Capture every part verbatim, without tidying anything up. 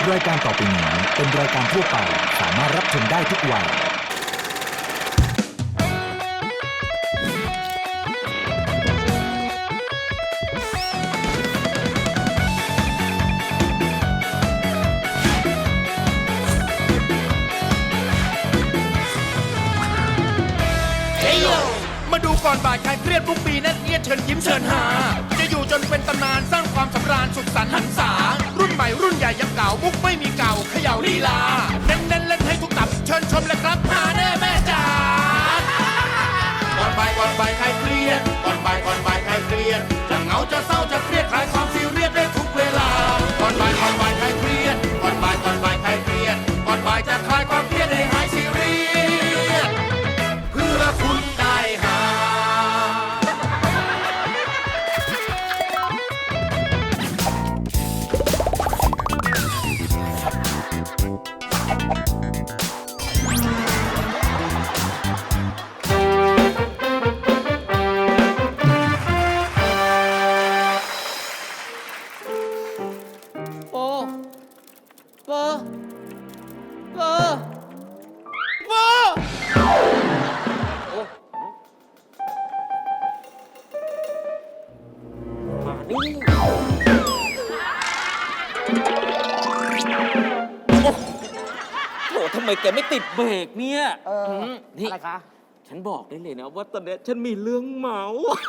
รายการต่อไปนี้เป็นรายการทั่วไปสามารถรับชมได้ทุกวัยมาดูก่อนบ่ายใครเครียดทุกปีนั่นเอียดเชิญยิ้มเชิญหาจะอยู่จนเป็นตำนานสร้างความสำราญสุขสันต์หันษารุ่นใหม่รุ่นใหญ่ยังเก่ามุกไม่มีเก่าเขย่าลีลาเน้นเน้นเล่นให้ทุกตับเชิญชมเลยครับหาแน่แม่จ๋าก่อนบ่ายก่อนบ่ายใครเครียดก่อนบ่ายก่อนบ่ายใครเครียดจะเหงาจะเศร้าจะเครียดคลายความซีเรียสได้ทุกเวลาก่อนบ่ายก่อนบ่ายใครเครียดก่อนบ่ายก่อนบ่ายใครเครียดก่อนบ่ายจะคลายความเครียดให้หายซีเรียสเพื่อคุณได้หาโอ้เบอร์เบอร์เบอร์โอ้มานี่โอ้โหทำไมแกไม่ติดเบรกเนี่ยเออมนี่อะไรคะฉันบอกได้เลยนะว่าตอนเนี้ยฉันมีเรื่องเมา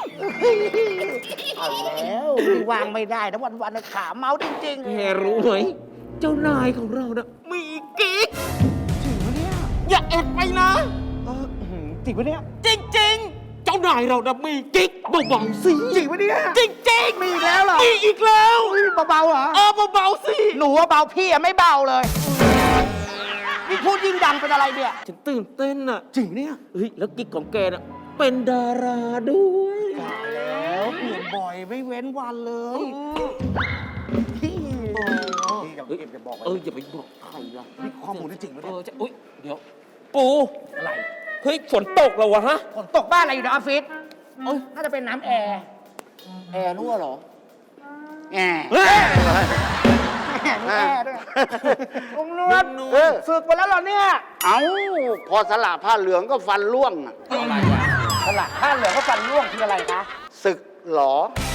เอาแล้ววางไม่ได้นะวันวันๆขาเมาจริงๆแกรู้ไหมเจ้านายของเรานะมีกิ๊กจริงปะเนี่ยอย่าแอบไปนะเอออื้อหือจริงปะเนี่ยจริงๆ เจ้านายเรานะมีกิ๊กเบาๆสิจริงปะเนี่ยจริงๆมีอีกแล้วเหรอมีอีกแล้วอุ้ยเบาๆเหรอเออเบาๆสิหนูว่าเบาพี่อะไม่เบาเลยนี่พูดยิ่งดังเป็นอะไรเนี่ยฉันตื่นเต้นอ่ะจริงเนี่ยเฮ้ยแล้วกิ๊กของแกน่ะเป็นดาราด้วยตายแล้วเปลี่ยนบ่อยไม่เว้นวันเลยพี่พี่กับเอ็มจะบอกเอออย่าไปบอกใครล่ะนี่ข้อมูลนี่จริงปะเอเนี่ยอจะอุ้ยเดี๋ยว ปูอะไรเฮ้ยฝนตกแล้ววะฮะฝนตกบ้านอะไรอยู่ในออฟฟิศเอ้ยน่าจะเป็นน้ำแอร์แอร์รั่วเหรอแอร์เฮ้ยแอร์แอร์ด้วยลุงนวดลุงนวดเออฝึกมาแล้วเหรอเนี่ยเอาพอสละผ้าเหลืองก็ฟันร่วงอะอะไรวะสลักผ้าเหลืองก็ฟันร่วงคืออะไรคะศึกหลอ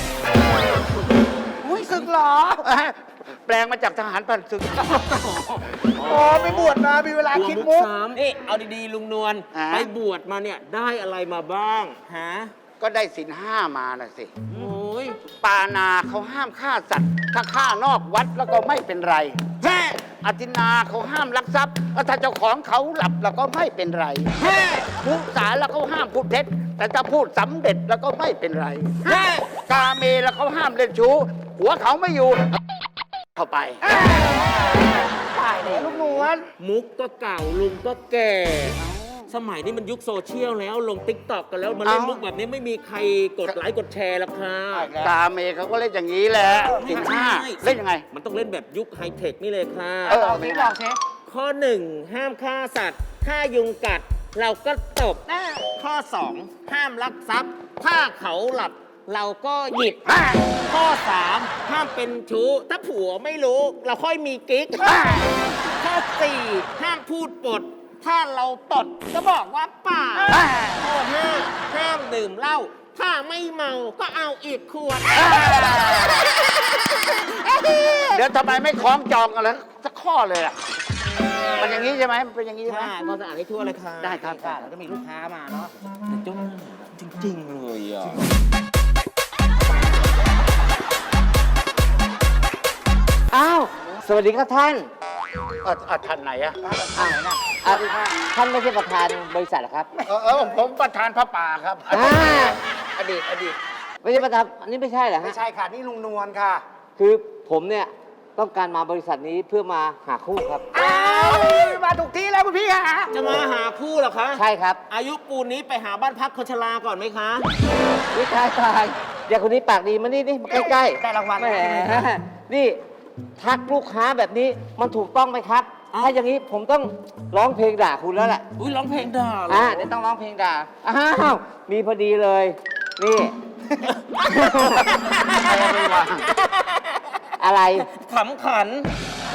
อุ้ยศึกเหรอแปลงมาจากทหารผ่านศึกโอ้ไปบวชมา มีเวลาคิดมุมุกกสามนี่เอาดีๆลุงนวลอ่าไปบวชมาเนี่ยได้อะไรมาบ้างฮะก็ได้สินห้ามาน่ะสิโอ้ยปานาเขาห้ามฆ่าสัตว์ ถ้าฆ่านอกวัดแล้วก็ไม่เป็นไรแฮ่อธินาเขาห้ามลักทรัพย์แล้วถ้าเจ้าของเขาหลับแล้วก็ไม่เป็นไรแฮ่มุสาแล้วเขาห้ามพูดเท็จ แต่ถ้าพูดสำเร็จแล้วก็ไม่เป็นไรแฮ่กาเมแล้วเขาห้ามเล่นชู้ หัวเขาไม่อยู่ เข้าไปตายแล้วลูกนวลมุกก็เก่าลุงก็แก่ สมัยนี้มันยุคโซเชียลแล้วลงติ๊กต็อกกันแล้วมาเล่นเอ้ามุมุกแบบนี้ไม่มีใครกดไลค์กดแชร์หรอกค่ะกาเมเขาก็เล่นอย่างนี้แหละสินห้าเล่นยังไงมันต้องเล่นแบบยุคไฮเทคนี่เลยค่ะเออลองสิลองสิข้อหนึ่งห้ามฆ่าสัตว์ ถ้ายุงกัด เราก็ตบแน่ข้อสองห้ามลักทรัพย์ ถ้าเขาหลับ เราก็หยิบอ่าข้อสามห้ามเป็นชู้ ถ้าผัวไม่รู้ เราค่อยมีกิ๊ก ข้อสี่ห้ามพูดปด ถ้าเราตดก็บอกว่าเปล่าอ่าข้อห้าห้ามดื่มเหล้า ถ้าไม่เมาก็เอาอีกขวดเดี๋ยวทำไมไม่คล้องจองกันแล้วสักข้อเลยอ่ะ มันอย่างนี้ใช่ไหมมันเป็นอย่างนี้ใช่ไหมค่ะความสะอาดให้ทั่วเลยค่ะได้ครับค่ะแล้วก็มีลูกค้ามาเนาะแต่เจ้าหน้าจริง ๆ เลยอ่ะอ้าว สวัสดีครับท่านเออเออท่านไหนอะอ่าอ่ะท่านไม่ใช่ประธานบริษัทเหรอครับเออเออผมผมประธานพระป่าครับ ออ่าดีตอดีตไม่ใช่ประธาน อันนี้ไม่ใช่เหรอไม่ฮะใช่ค่ะ นี่ลุงนวลค่ะคือผมเนี่ยต้องการมาบริษัทนี้เพื่อมาหาคู่ครับอ้าวมาถูกที่แล้วคุณพี่ค่ะจะมาหาคู่เหรอคะใช่ครับอายุปูนนี้ไปหาบ้านพักคนชราก่อนไหมคะวิทายตายเดี๋ยวคนนี้ปากดีมานี่นี่มาใกล้ๆได้รางวัลแหมนี่ทักลูกค้าแบบนี้มันถูกต้องไหมครับ ถ้าอย่างนี้ผมต้องร้องเพลงด่าคุณแล้วแหละอุ้ยร้องเพลงด่าเหรออ่าเดี๋ยวต้องร้องเพลงด่า อ้าว มีพอดีเลย นี่อะไรไม่ว่างอะไรขำขันข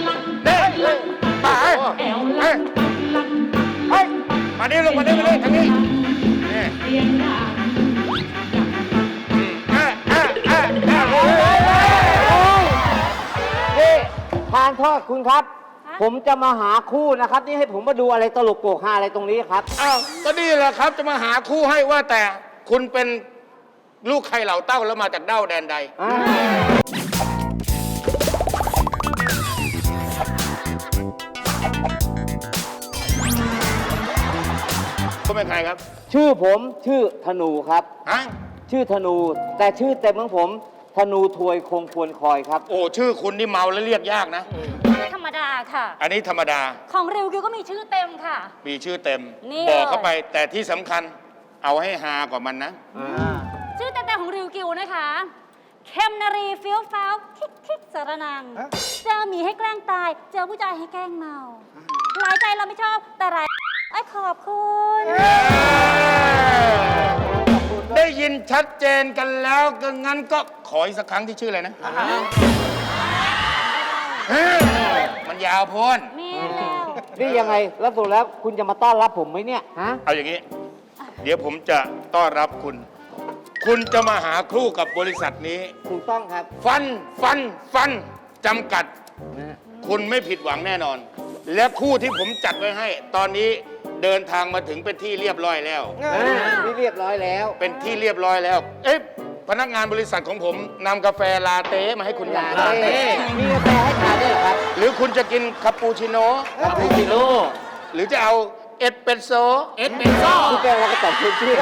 เด้มาเอ้ยเอ้ยเฮ้ยมานี่ลงมานี่มานี่ทางนี้นี่อืมเอ้ยเอ้ยเอ้ยเอ้ยเอ้ยเอ้ยนี่ทานโทษคุณครับ ผมจะมาหาคู่นะครับ นี่ให้ผมมาดูอะไรตลกโปกฮาอะไรตรงนี้ครับอ้าวก็นี่แหละครับจะมาหาคู่ให้ว่าแต่คุณเป็นลูกใครเหล่าเต้าแล้วมาจากเด้าแดนใด คุณเป็นใครครับชื่อผมชื่อธนูครับฮะชื่อธนู แต่ชื่อเต็มของผมธนูถวยคงควรคอยครับโอ้ชื่อคุณนี่เมาแล้วเรียกยากนะธรรมดาค่ะอันนี้ธรรมดาของริวกิวก็มีชื่อเต็มค่ะมีชื่อเต็มนี่บอกเข้าเลยไป แต่ที่สำคัญเอาให้ฮากว่ามันนะชื่อเต็มๆของริวกิวนะคะ เข้มนารีเฟี้ยวฟ้าวทิกทิกสารนัง เจอหมีให้แกล้งตาย เจอผู้ชายให้แกล้งเมา หลายใจเราไม่ชอบ แต่หลายไอ้ขอบคุณได้ยินชัดเจนกันแล้วก็งั้นก็ขออีกสักครั้งที่ชื่ออะไรนะเฮ้ยมันยาวโพ้นมีแล้วนี่ยังไง แล้วสุดแล้วคุณจะมาต้อนรับผมไหมเนี่ยฮะเอาอย่างนี้ เดี๋ยวผมจะต้อนรับคุณ คุณจะมาหาคู่กับบริษัทนี้ถูกต้องครับฟัน ฟัน ฟัน จำกัด คุณไม่ผิดหวังแน่นอน และคู่ที่ผมจัดไว้ให้ ตอนนี้เดินทางมาถึงเป็นที่เรียบร้อยแล้วนี่เรียบร้อยแล้วเป็นที่เรียบร้อยแล้ว เอ๊ะ พนักงานบริษัทของผมนำกาแฟลาเต้มาให้คุณลาลาเต้มีกาแฟให้ทานด้วยเหรอครับหรือคุณจะกินคาปูชิโน่คาปูชิโน่หรือจะเอาเอสเปรสโซ่เอ็ดเป็นซ่อคุณแกเราก็ตอบพื้นที่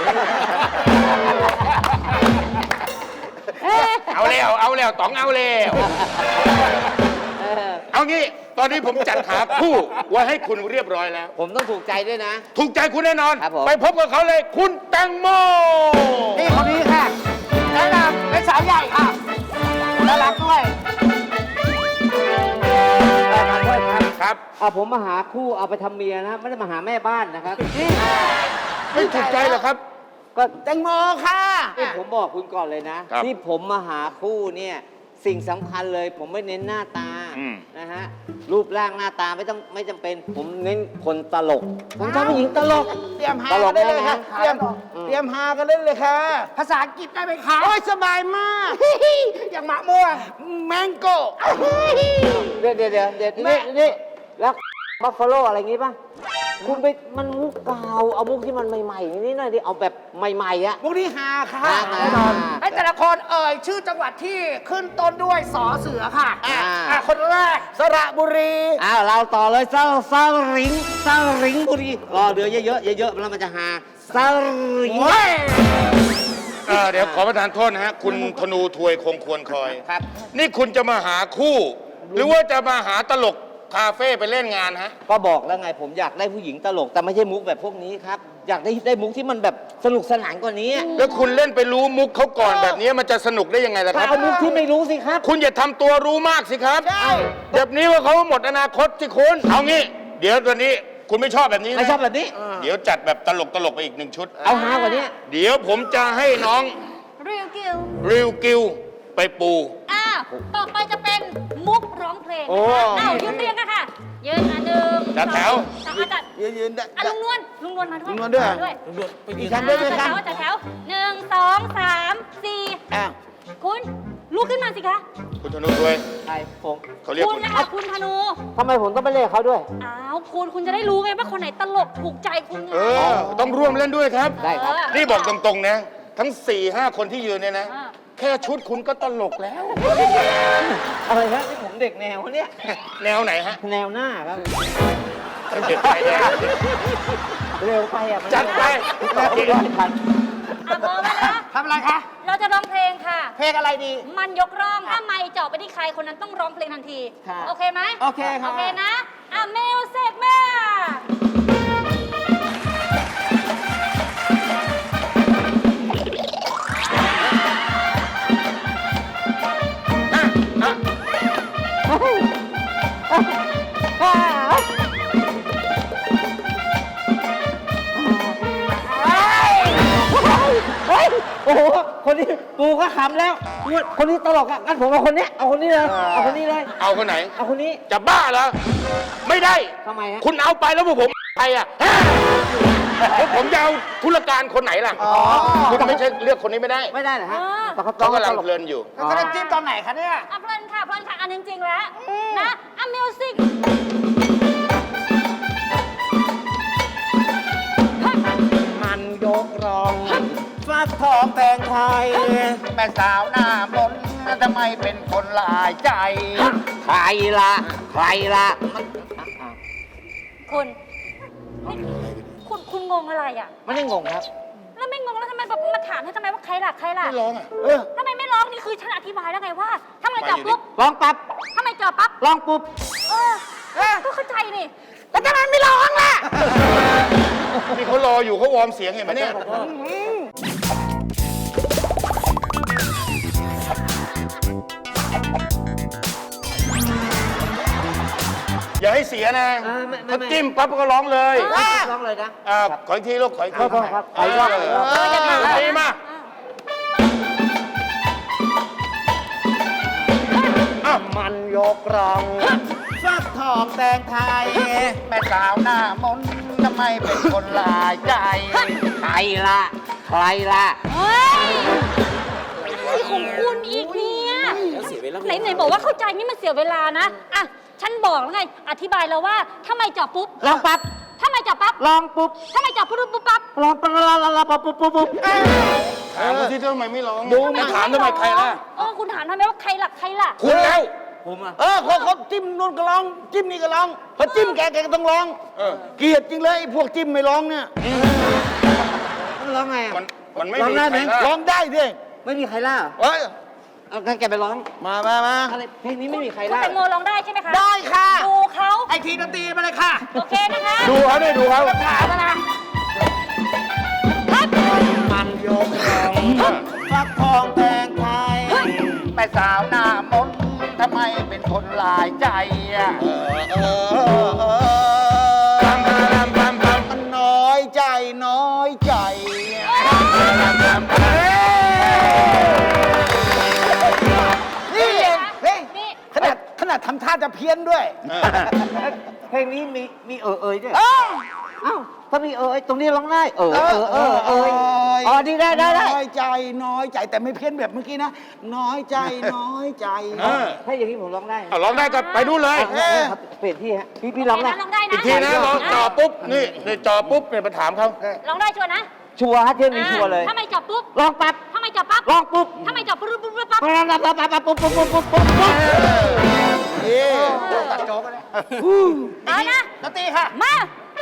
เอาแล้ว เอาแล้วต๋องเอาแล้วเออเอางี้ ตอนนี้ผมจัดหาคู่ไว้ให้คุณเรียบร้อยแล้วผมต้องถูกใจด้วยนะถูกใจคุณแน่นอนครับผมไปพบกับเขาเลย คุณแตงโมนี่คนนี้ค่ะแนะนำเป็นสาวใหญ่ค่ะน่ารักด้วยมาด้วยครับครับเอาผมมาหาคู่เอาไปทำเมียนะไม่ได้มาหาแม่บ้านนะครับไม่ถูกใจเหรอครับก็แตงโมค่ะนี่ผมบอกคุณก่อนเลยนะครับที่ผมมาหาคู่เนี่ยสิ่งสำคัญเลย ผมไม่เน้นหน้าตาอืมนะฮะรูปร่างหน้าตาไม่ต้องไม่จำเป็น ผมเน้นคนตลก ผมชอบผู้หญิงตลกเตรียมหาตลกักนได้เลยค่ะแน่นะเตรียมเตรียมหากันได้เลยค่ะภาษาอังกฤษได้ไหมคะโอ้ยสบายมากอย่างมะม่วงแมงโก้เดี๋ยวเดี๋ยวเดี๋ยวเดี๋ยวนี่นี่แล้วบัฟฟาโลอะไรงี้ป่ะ คุณไปมันมุกเก่าเอามุกที่มันใหม่ๆนี่หน่อยดิเอาแบบใหม่ๆอะพวกนี้หาค่ะหามาแน่นอนไอ้แต่ละคนเอ่ยชื่อจังหวัดที่ขึ้นต้นด้วยสอเสือค่ะอ่าอ่ะคนแรกสระบุรีอ้าวเราต่อเลยเซาเซาริงเซาริงบุรีรอเดือเยอะๆเยอะๆแล้วมันจะหาเซาริงโอ้ยเออเดี๋ยวขอประทานโทษนะฮะ คุณธนูทวยคงควรคอยครับนี่คุณจะมาหาคู่ หรือว่าจะมาหาตลกคาเฟ่ไปเล่นงานฮะก็บอกแล้วไงผมอยากได้ผู้หญิงตลกแต่ไม่ใช่มุกแบบพวกนี้ครับ อยากได้ได้มุกที่มันแบบสนุกสนานกว่านี้แล้วคุณเล่นไปรู้มุกเขาก่อนแบบนี้มันจะสนุกได้ยังไงล่ะครับเอามุกที่ไม่รู้สิครับคุณอย่าทำตัวรู้มากสิครับแบบนี้ว่าเขาหมดอนาคตสิคุณเอางี้ เดี๋ยวตัวนี้คุณไม่ชอบแบบนี้นะไม่ชอบแบบนี้เดี๋ยวจัดแบบตลกตลกๆไปอีกหนึ่งชุดเอาฮากว่านี้เดี๋ยวผมจะให้น้องริวกิวริวกิวไปปูอ้าวต่อไปจะเป็นมุกร้องเพลงโอ้นะคะอ้าวยืนเรียงกันค่ะ ยืนอ่ะหนึ่งจัดแถวสองอ่ะจัดยืนยืนได้อ่ะลุงนวลลุงนวลมาด้วยลุงนวลด้วยมาด้วยอีกครั้งด้วยไหมจัดคะแถวจัดแถวหนึ่งสองสามสี่อ้าวคุณลุกขึ้นมาสิคะคุณธนูทวยใครผมเขาเรียกคุคุณ ณนะคะคุณธนูทำไมผมต้องไปเล่นกับเขาด้วยอ้าวคุณคุณจะได้รู้ไงว่าคนไหนตลกถูกใจคุณไงเออ ต้องร่วมเล่นด้วยครับได้ครับเออนี่บอกตรงๆนะ ทั้ง4ี่ห้าคนที่ยืนเนี่ยนะอ่าแค่ชุดคุณก็ตลกแล้วอะไรครับนี่ผมเด็กแนวเนี่ยแนวไหนฮะแนวหน้าครับเด็กไปแดงเร็วไปอ่ะมันจัดไปไม่ทันอ่ะพร้อมแล้วนะทำอะไรคะเราจะร้องเพลงค่ะเพลงอะไรดีมันยกร่องถ้าไม่เจาะไปที่ใครคนนั้นต้องร้องเพลงทันทีค่ะโอเคไหมโอเคค่ะโอเคนะ อ่ะมิวสิกแม่เฮ้ยโอ้โห คนนี้ปูก็ขำแล้วเนี่ยคนนี้ตลกอ่ะงั้นผมเอาคนเนี้ยเอาคนนี้เลย เอาคนนี้เลยเอาคนไหนเอาคนนี้จะบ้าเหรอ ไม่ได้ทำไมฮะคุณเอาไปแล้วพวกผมใครอ่ะฮะแล้วผมจะเอาธุรการคนไหนล่ะ คุณไม่ใช่เลือกคนนี้ไม่ได้ไม่ได้เหรอฮะเออแต่เขาเขากำลังตลเพลินอยู่แล้วก็น้ำจิ้มตอนไหนคะเนี่ยอ่ะเพลินค่ะเพลินค่ะอันจริงๆแล้วนะ อ่ะมิวสิกมันยกรองฟักทองแตงไทยแม่สาวหน้ามนต์ทำไมเป็นคนหลายใจใครล่ะ ใครล่ะ มันคุณนี่คุณคุณงงอะไรอ่ะไม่ได้งงครับแล้วไม่งงแล้วทำไมแบบมาถามให้ทำไมว่าใครล่ะใครล่ะไม่ร้องอ่ะเออทำไมไม่ร้องนี่คือฉันอธิบายแล้วไงว่าถ้าไม่จับปุ๊บลองปั๊บถ้าไม่จับปั๊บลองปุ๊บเออก็เข้าใจนี่แล้วทำไมไม่ร้องล่ะนี่เขารออยู่เขาวอร์มเสียงเห็นไหมเนี่ย อย่าให้เสียนะเออไม่ไม่เขาไม่จิ้มปั๊บก็ร้องเลยลองเลยนะอ่าขออีกทีลูกขออีกทีครับครับเออครับเออดีมากอ้าวมันยกรองฟักทองแตงไทยแม่สาวหน้ามนต์ทำไมเป็นคนหลายใจใครล่ะ ใครล่ะเฮ้ยอะไรของคุณอีกเนี่ยไหนไหนบอกว่าเข้าใจนี่มันเสียเวลานะ อ่ะ ฉันบอกแล้วไง อธิบายแล้วว่าถ้าไม่จับปุ๊บลองปั๊บถ้าไม่จับปั๊บลองปุ๊บถ้าไม่จับปุ๊บปุ๊บปั๊บลองปั๊บลองลองลองปั๊บปุ๊บปุ๊บปุ๊บถามเขาที่ทำไมไม่ร้องดูไม่ถามทำไมใครล่ะเออคุณถามทำไมว่าใครล่ะใครล่ะคุณแล้วผมอ่ะเออเขาเขาจิ้มนู่นก็ร้อง จิ้มนี่ก็ร้องพอจิ้มแกแกก็ต้องร้องเออเกลียดจริงเลยไอ้พวกจิ้มไม่ร้องเนี่ยร้องไงอ่ะมันมันไม่ร้องมีได้ไหมใครล่ะร้องได้ดิไม่มีใครล่ะเอ้ยเอางั้นแกไปร้องมามามาอะไร เพลงนี้ไม่มีใครคุณล่ะแตงโมร้องได้ใช่ไหมคะได้ค่ะดูเขาไอทีดนตรีมาเลยค่ะโอเคนะคะดูเขาด้วยดูเขาถามมานะมันยกรองฟักทองแตงไทยแม่สาวหน้ามนต์ทำไมเป็นคนหลายใจอะเออเออเออปั๊มปั๊มปั๊มปั๊มมันน้อยใจน้อยใจนี่เองข้าจะเพี้ยนด้วยเพลงนี้มีมีเออเอยด้วยเอ้าอ้าวถ้ามีเออเอยตรงนี้ร้องได้เออเออเออเออเอ้ยอ๋อดีได้ได้ได้น้อยใจน้อยใจแต่ไม่เพี้ยนแบบเมื่อกี้นะ น้อยใจน้อยใจเออถ้าอย่างนี้ผมร้องได้เอาร้องได้ก็ไปนู่นเลยเออครับเปลี่ยนที่ฮะพี่พี่ร้องได้ลองได้นะอีกทีนะร้องจ่อปุ๊บ นี่นี่จ่อปุ๊บเนี่ยมาถามเขาลองได้ชัวร์นะชัวร์ฮะเที่ยวนี้ชัวร์เลยถ้าไม่จับปุ๊บร้องปั๊บถ้าไม่จับปั๊บร้องปุ๊บถ้าไม่จับปุ๊บปุ๊บปุ๊บปั๊บปั๊บปั๊บปั๊บปั๊บปุ๊บปุ๊บปุ๊บปุ๊บปุ๊บปุ๊บนี่ตัดโจ๊กก็ได้เอานะดนตรีค่ะมา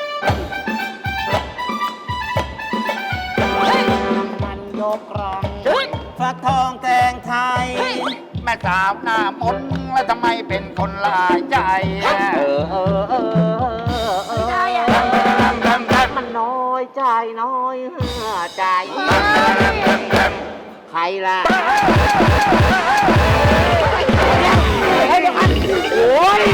มันยกกรองเฮ้ยฟักทองแตงไทยแม่สาวหน้ามนต์แล้วทำไมเป็นคนหลายใจเออเออเออเออได้อะมันน้อยใจน้อยใจใครล่ะโอ้ย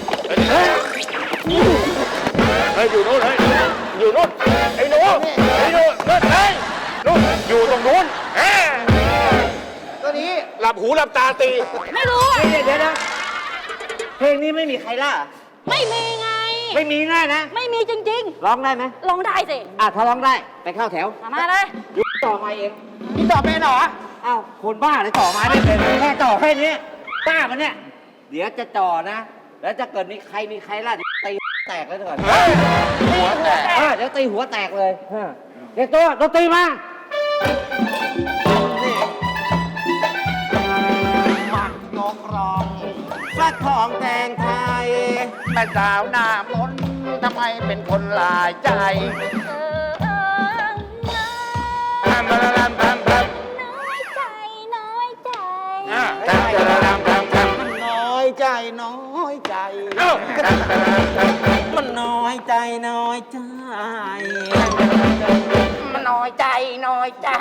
เฮ้ยอยู่นู้นเฮ้ยอยู่นู้นไอ้หนูไอ้หนูนู้นเฮ้ยนู้นอยู่ตรงนู้นเฮ้ยตัวนี้หลับหูหลับตาตีไม่รู้อะเดี๋ยวเดี๋ยวนะเพลงนี้ไม่มีใครล่ะไม่มีไงไม่มีแน่นะไม่มีจริงร้องได้ไหมๆ ลองได้สิอ่ะถ้าร้องได้ไปเข้าแถวมาเลยยุบต่อมาเองนี่ต่อเป็นเหรออ้าวคนบ้าเลยต่อมาได้เป็นแค่ต่อแค่นี้บ้ามันเนี่ย เดี๋ยวจะจ่อนะ แล้วจะเกิดมีใครมีใครล่ะเดี๋ยวตีแตกเลยเถอะหัวแตกเออเดี๋ยวตีหัวแตกเลยเออเด็กตัวดนตรีมามันยกรองฟักทองแตงไทยแม่สาวหน้ามนต์ทำไมเป็นคนหลายใจเออเออทำมาทำทำทน้อยใจ น้อยใจำอ่ะทำทำทำทำทำมันน้อยใจน้อยใจเอ้ามันน้อยใจน้อยใจมันน้อยใจน้อยใจ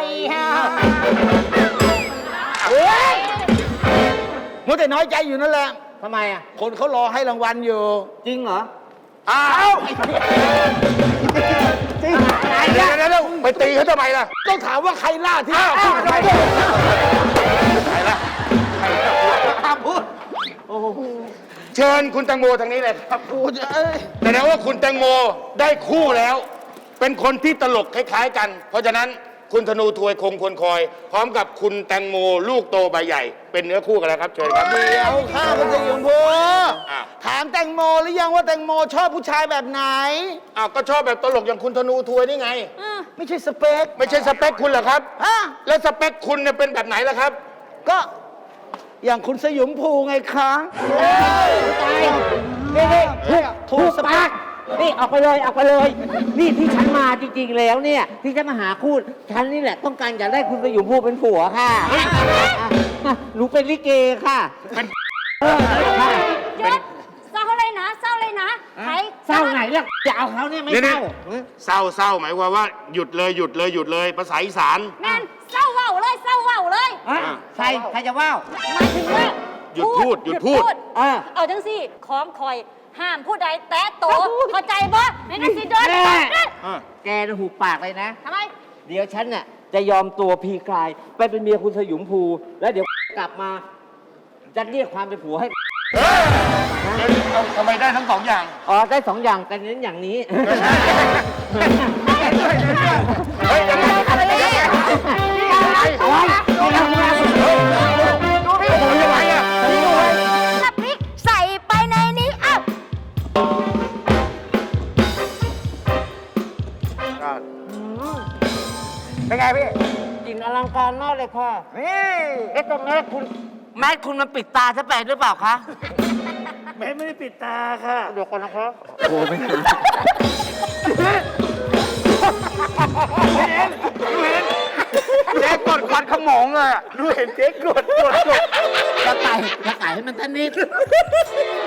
มัวแต่น้อยใจอยู่นั่นแหละทำไมอ่ะคนเขารอให้รางวัลอยู่จริงเหรออ้าวเดี๋ยวเดี๋ยวเดี๋ยวไปตีเขาทำไมล่ะต้องถามว่าใครล่าที่อ้าวพูดไปใครล่ะห้ามพูดเชิญคุณแตงโมทางนี้เลยครับพูดเอ้ยแสดงว่าคุณแตงโมได้คู่แล้ว เป็นคนที่ตลกคล้ายๆกัน เพราะฉะนั้นคุณธนูทวยคงควรคอย พร้อมกับคุณแตงโมลูกโตใบใหญ่ เป็นเนื้อคู่กันแล้วครับเชิญครับเดี๋ยวข้าเป็นสยองพูอ้าวถามแตงโมหรือยังว่าแตงโมชอบผู้ชายแบบไหนอ้าวก็ชอบแบบตลกอย่างคุณธนูทวยนี่ไงไม่ใช่สเปคไม่ใช่สเปคคุณเหรอครับฮะแล้วสเปคคุณเนี่ยเป็นแบบไหนล่ะครับก็อย่างคุณสยมภูไงคะตายนี่นี่ถูกถูถูกกสเปปากคนี่ออกไปเลยออกไปเลย นี่ที่ฉันมาจริงๆแล้วเนี่ย ที่จะมาหาคู่ฉันนี่แหละต้องการอยากได้คุณไปอยู่ผู้เป็นผัวค่ะอ่ะหนูเป็นลิเกค่ะเป็นเออค่ะหยุดเศร้าเลยนะ เศร้าเลยนะใครเศร้าไหนล่ะจะเอาเขาเนี่ยไม่นี่เศนี่ร้าเศร้าเศร้าหมายความว่าหยุดเลยหยุดเลยหยุดเลยภาษาอีสานแมนเศร้าเว้าเลย เศร้าเว้าเลยอ่ะใครใครจะว่าวหมายถึงว่าหยุดพูดหยุดพูดเออเอาจังสิของคอยห้ามผู้ใดแตะโตะเข้าใจบ่ไม่งั้นสิเดินแน่เดินแกน่ะหูปากเลยนะทำไมเดี๋ยวฉันน่ะจะยอมตัวพีกลายไปเป็นเมียคุณสยุมภู แล้วเดี๋ยวกลับมาจะเรียกความเป็นผัวให้ทำไมได้ทั้งสองอย่างอ๋อ ได้สองอย่างแต่เน้นอย่างนี้เฮ้ยยังไงอะไรเนี่ยอะไรอะไรดูพี่ผมยังไงอ่ะน้ำพริกใส่ไปในนี้อ้าวเป็นไงพี่กลิ่นอลังการมากเลยค่ะนี่เอ๊ะตรงแมสคุณแมสคุณมันปิดตาฉันไปหรือเปล่าคะแม่ไม่ได้ปิดตาค่ะเดี๋ยวก่อนนะครับโอ้ไม่เจ๊กดควันขโมงเลยอะดูเห็นเจ๊กดกดกดจะไต่จะไต่ให้มันทันนิด